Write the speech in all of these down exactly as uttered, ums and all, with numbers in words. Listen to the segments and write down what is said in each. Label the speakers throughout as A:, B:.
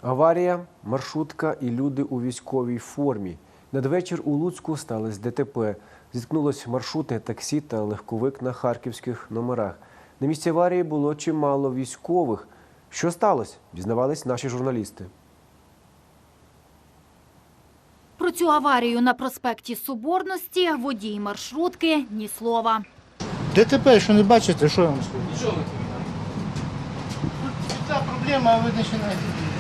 A: Аварія, маршрутка і люди у військовій формі. Надвечір у Луцьку сталося ДТП. Зіткнулось маршрутне таксі та легковик на харківських номерах. На місці аварії було чимало військових. Що сталося? Дізнавались наші журналісти.
B: Про цю аварію на проспекті Соборності водій маршрутки – ні слова.
C: ДТП, що не бачите, що я вам скажу? Нічого не Тут ця проблема, а ви починаєте.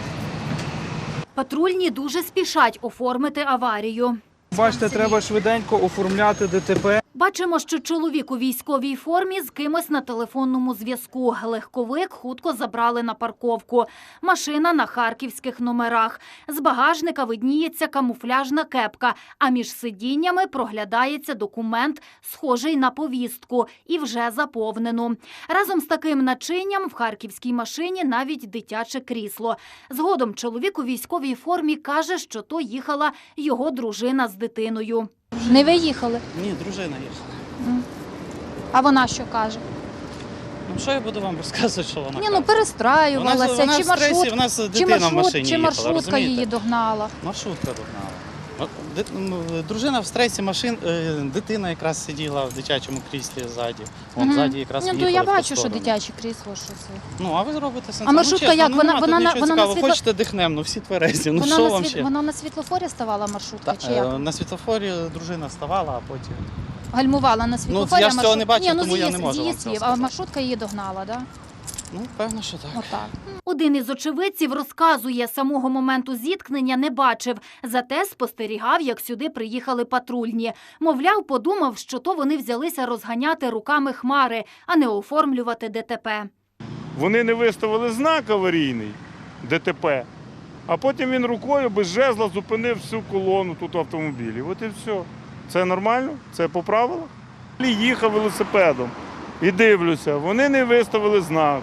B: Патрульні дуже спішать оформити аварію.
D: Бачите, треба швиденько оформляти ДТП.
B: Бачимо, що чоловік у військовій формі з кимось на телефонному зв'язку. Легковик хутко забрали на парковку. Машина на харківських номерах. З багажника видніється камуфляжна кепка, а між сидіннями проглядається документ, схожий на повістку, і вже заповнену. Разом з таким начинням в харківській машині навіть дитяче крісло. Згодом чоловік у військовій формі каже, що то їхала його дружина з дитиною.
E: Не ви їхали?
F: Ні, дружина їхала.
E: А вона що каже?
F: Ну що я буду вам розказувати, що вона
E: Ні,
F: каже?
E: ну перестраювалася,
F: Вона, вона
E: чи
F: в стресі,
E: маршрут,
F: в нас
E: чи,
F: дитина в
E: маршрут,
F: машині
E: чи
F: їхала,
E: маршрутка
F: розумієте?
E: її догнала.
F: Маршрутка догнала. От, ди- ну, Дружина в стресі, машин, е, дитина якраз сиділа в дитячому кріслі ззаді. Вон,
E: Мгм.
F: ззаді якраз
E: Ну, то
F: їхали
E: я
F: в ту
E: бачу, що
F: сторону.
E: дитяче крісло, що це.
F: Ну, а ви зробите сенс.
E: А маршрутка
F: ну, чесно,
E: як?
F: Ну,
E: Вона-
F: нема
E: вона
F: тут
E: на-
F: нічого
E: вона на
F: цікавого.
E: світло-
F: Хочете дихнем, ну всі тверезі. Ну
E: Вона
F: що
E: на,
F: вам
E: світ...
F: ще?
E: вона на світлофорі ставала маршрутка,
F: Та,
E: чи як?
F: е, на світлофорі дружина ставала, а потім...
E: Гальмувала на світлофорі,
F: я ж
E: а
F: цього
E: маршрут-
F: не бачив,
E: Ні, ну,
F: тому
E: з
F: я
E: її-
F: не можу
E: з її
F: вам цього
E: слів. А
F: сказати.
E: маршрутка її догнала, так? Да?
F: Ну, певно, що так.
E: Отак.
B: Один із очевидців розказує, самого моменту зіткнення не бачив. Зате спостерігав, як сюди приїхали патрульні. Мовляв, подумав, що то вони взялися розганяти руками хмари, а не оформлювати ДТП.
G: Вони не виставили знак аварійний ДТП, а потім він рукою без жезла зупинив всю колону тут автомобілів. От і все. Це нормально? Це по правилах? Їхав велосипедом і дивлюся, вони не виставили знак.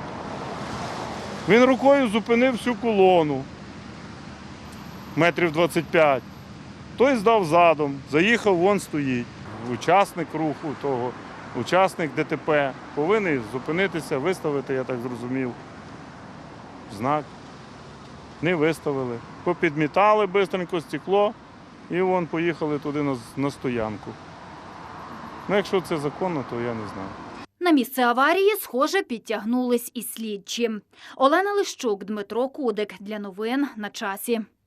G: Він рукою зупинив всю колону метрів двадцять п'ять. Той здав задом, заїхав, вон стоїть. Учасник руху того, учасник ДТП повинен зупинитися, виставити, я так зрозумів, знак. Не виставили. Попідмітали швидко стекло і вон поїхали туди на, на стоянку. Ну, якщо це законно, то я не знаю.
B: На місце аварії, схоже, підтягнулись і слідчі. Олена Лищук, Дмитро Кудик. Для новин на часі.